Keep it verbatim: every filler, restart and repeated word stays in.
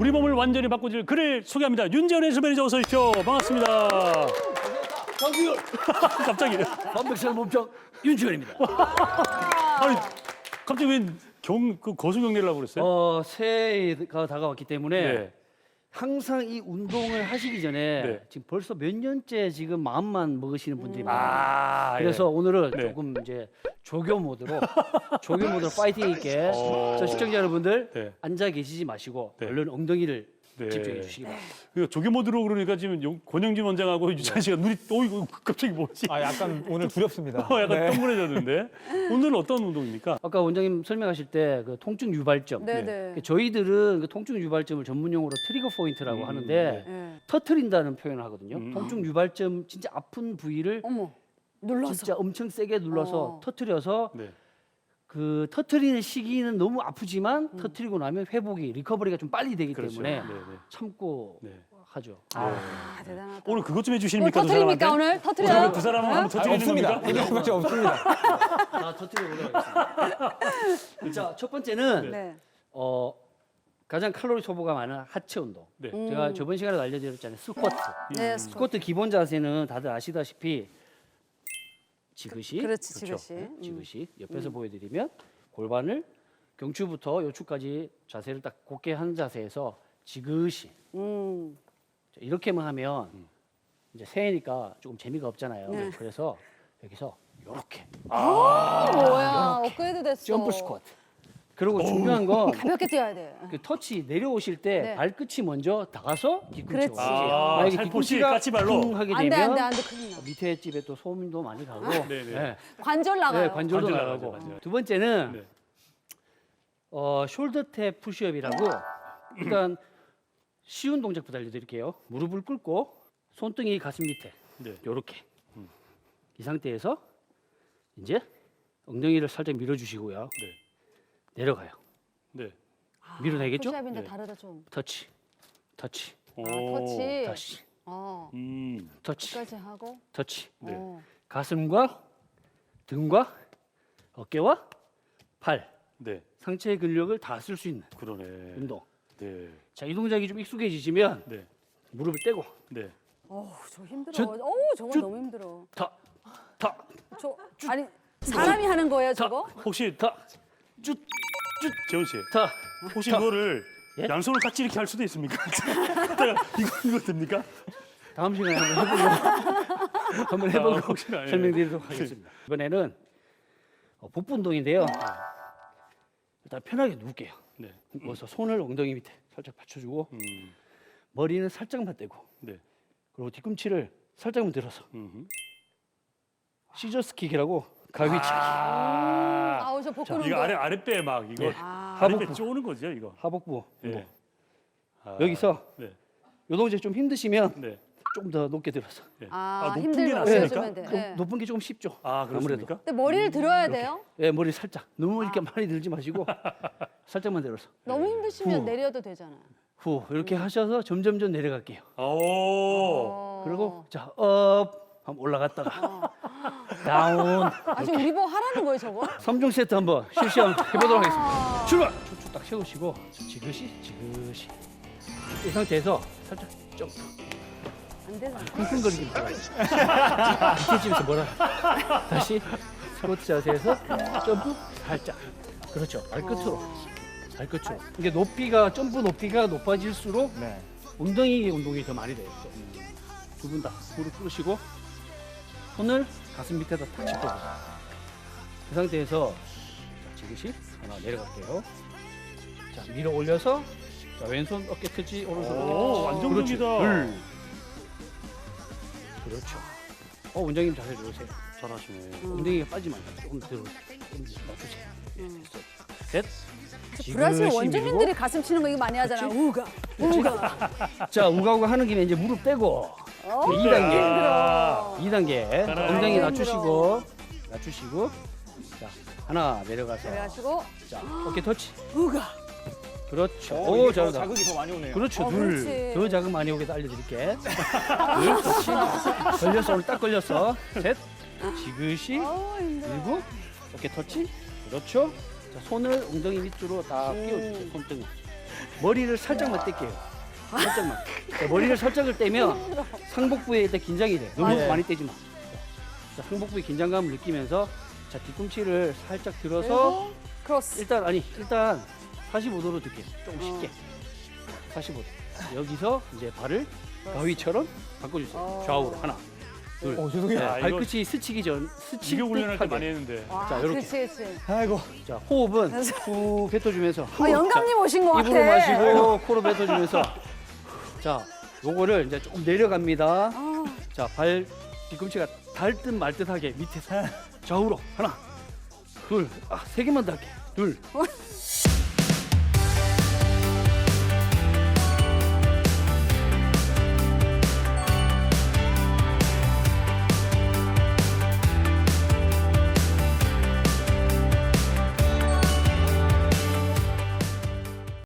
우리 몸을 완전히 바꿔줄 그를 소개합니다. 윤재원 헬스 매니저 어서 오십시오. 반갑습니다. 강규열 갑자기. 완벽한 몸짱 윤지원입니다. 아니, 갑자기 왜 경, 그 거수 경례를 하고 그랬어요? 어, 새해가 다가왔기 때문에 네. 항상 이 운동을 하시기 전에 네. 지금 벌써 몇 년째 지금 마음만 먹으시는 분들이 많아요. 아, 그래서 오늘은 네. 조금 이제 조교 모드로 조교 모드로 파이팅 있게 어. 저 시청자 여러분들 네. 앉아 계시지 마시고 네. 얼른 엉덩이를 네. 집중해 주시기 바랍니다. 그 조교 모드로 그러니까 지금 용- 권영진 원장하고 유찬 씨가 눈이 또 이거 갑자기 뭐지? 아 약간 오늘 두렵습니다. 어, 약간 네. 동그래졌는데 오늘은 어떤 운동입니까? 아까 원장님 설명하실 때 그 통증 유발점. 네네. 그 저희들은 그 통증 유발점을 전문용어로 트리거 포인트라고 음, 하는데 네. 터트린다는 표현을 하거든요. 음. 통증 유발점 진짜 아픈 부위를 어머 눌러서. 진짜 엄청 세게 눌러서 어. 터트려서 네. 그 터트리는 시기는 너무 아프지만 터트리고 나면 회복이 리커버리가 좀 빨리 되기 그렇죠. 때문에 네, 네. 참고 네. 하죠. 아 대단하다. 오늘 그것 좀 오늘 해주십니까? 그 터트립니까 사람한테? 오늘? 터트려요? 그 사람은 한번 아, 터뜨리는 없습니다. 겁니까? 이런 것이 없습니다. 아, 터트려 보도록하겠습니다. 자, 첫 번째는 네. 어, 가장 칼로리 소모가 많은 하체 운동. 네. 음. 제가 저번 시간에도 알려드렸잖아요. 스쿼트. 네. 스쿼트 기본 자세는 다들 아시다시피 지그시, 그렇지 그렇죠. 지그시. 네, 음. 지그시 옆에서 보여드리면 골반을 경추부터 요추까지 자세를 딱 곧게 한 자세에서 지그시 음. 자, 이렇게만 하면 이제 새해니까 조금 재미가 없잖아요. 네. 그래서 여기서 이렇게 아, 뭐야? 업그레이드 됐어. 점프 스쿼트. 그리고 중요한 건 가볍게 뛰어야 돼. 그 터치 내려오실 때 네. 발끝이 먼저 다가서 뒤꿈치가 그렇지. 오지. 아, 만약에 살포시 뒤꿈치가 까치발로? 쿵 하게 안돼 되면 안돼 안돼 큰일 나. 밑에 집에 또 소음도 많이 가고 네네. 네. 관절 나가요. 네, 관절도 관절 나가고. 나가죠, 맞아요. 두 번째는 네. 어, 숄더 탭 푸시업이라고 일단 쉬운 동작부터 알려드릴게요. 무릎을 꿇고 손등이 가슴 밑에 네. 요렇게 이 상태에서 이제 엉덩이를 살짝 밀어주시고요. 네. 내려가요. 네. 밀어내겠죠? 푸시업인데 네. 다르다 좀. 터치, 터치, 오. 아, 터치. 다시, 어. 음. 터치, 끝까지 하고. 터치. 네. 어. 가슴과 등과 어깨와 팔, 네. 상체의 근력을 다 쓸 수 있는 그러네. 운동. 네. 자, 이 동작이 좀 익숙해지시면 네. 무릎을 떼고 네. 어우 저 힘들어. 저- 어우 저거 저- 너무 힘들어. 더, 더, 저 아니 사람이 하는 거예요 저거? 혹시 더, 쭉, 쭉, 재원 씨. 더. 혹시 더. 이거를 예? 양손을 같이 이렇게 할 수도 있습니까? 이거 이거 됩니까? 다음 시간에 한번 해보고 한번 해보고 아, 혹시나, 예. 설명드리도록 하겠습니다. 이번에는 어, 복부 운동인데요. 일단 편하게 누울게요. 네. 누워서 손을 엉덩이 밑에 살짝 받쳐주고 음. 머리는 살짝만 떼고 네. 그리고 뒤꿈치를 살짝만 들어서 음. 시저스킥이라고 가위치기. 아. 아우 저 복근 이거 운동. 아래 아랫배 막 이거 네. 아. 아랫배 하복부. 쪼는 거죠, 이거. 하복부 운동. 예. 아. 여기서 네. 요 동작 좀 힘드시면 네. 좀 더 높게 들어서. 네. 아, 높은 게 힘들면 낫습니까? 올려주면 돼. 좀 네. 높은 게 조금 쉽죠. 아, 아무래도. 그렇습니까? 근데 머리를 들어야 돼요? 예, 머리 살짝. 너무 아. 이렇게 많이 들지 마시고 살짝만 들어서. 너무 힘드시면 후. 내려도 되잖아요. 후 이렇게 하셔서 점점점 내려갈게요. 오. 어. 그리고 자, 업 한번 올라갔다가 다운. 아 지금 우리 보고 하라는 거예요 저거? 삼 종 세트 한번 실시 한번 해보도록 하겠습니다. 출발! 툭툭 딱 세우시고 지그시 지그시 이 상태에서 살짝 점프. 안 되잖아. 쿵쿵거리기 말아요. 밑에 집에서 뭐라 다시 스쿼트 자세에서 점프 살짝. 그렇죠. 발끝으로. 발끝으로. 이게 높이가 점프 높이가 높아질수록 네. 엉덩이 운동이 더 많이 돼요. 두 분 다 무릎 꿇으시고 손을 가슴 밑에다 탁 짚어보세요. 그 상태에서 자, 지그시 하나 내려갈게요. 자, 밀어 올려서 자, 왼손 어깨 터치 오른손 오, 어깨 터치. 안정적이다. 그렇죠. 둘. 그렇죠. 어, 원장님 자세 좋으세요. 잘하시네. 엉덩이가 빠지면 안 돼요. 조금 들어. 조금 놔주세요. 예, 됐어요. 셋. 브라질 지그시 원주민들이 밀고. 가슴 치는 거 이거 많이 하잖아. 우가 우가. 자, 우가우가 하는 김에 이제 무릎 떼고 어, 이 단계. 힘들어. 이 단계 잘하네. 엉덩이 힘들어. 낮추시고 낮추시고 자 하나 내려가서 그래가지고 자 어깨 터치 우가. 그렇죠 오, 오 이게 더 잘한다 자극이 더 많이 오네요. 그렇죠 어, 둘 그렇지. 더 자극 많이 오게 알려드릴게 둘 터치 걸렸어 오늘 딱 걸렸어 셋 지그시 어우 힘들어. 일곱 어깨 터치 그렇죠 자 손을 엉덩이 밑으로 딱 음. 끼워주세요 손등을 머리를 살짝만 뗄게요. 살짝만. 자, 머리를 살짝을 떼면 상복부에 일단 긴장이 돼. 너무 예. 많이 떼지 마. 자, 상복부의 긴장감을 느끼면서 자, 뒤꿈치를 살짝 들어서 그리고 크로스. 일단 아니 일단 사십오 도로 들게요. 조금 쉽게. 사십오 도. 여기서 이제 발을 가위처럼 바꿔주세요. 어. 좌우로 하나, 둘. 어, 죄송해요. 네, 아, 이거- 발끝이 스치기 전 스칠 이게 훈련할 때 듯하게. 많이 했는데. 와, 자, 요렇게. 그렇지, 그렇지. 아이고. 자, 호흡은 후 뱉어주면서 아, 영감님 오신 것 같아. 입으로 마시고 코로 뱉어주면서 자, 요거를 이제 조금 내려갑니다. 아, 자, 발 뒤꿈치가 닿을 듯 말 듯하게 밑에서 좌우로 하나, 둘, 아, 세 개만 더 할게. 둘,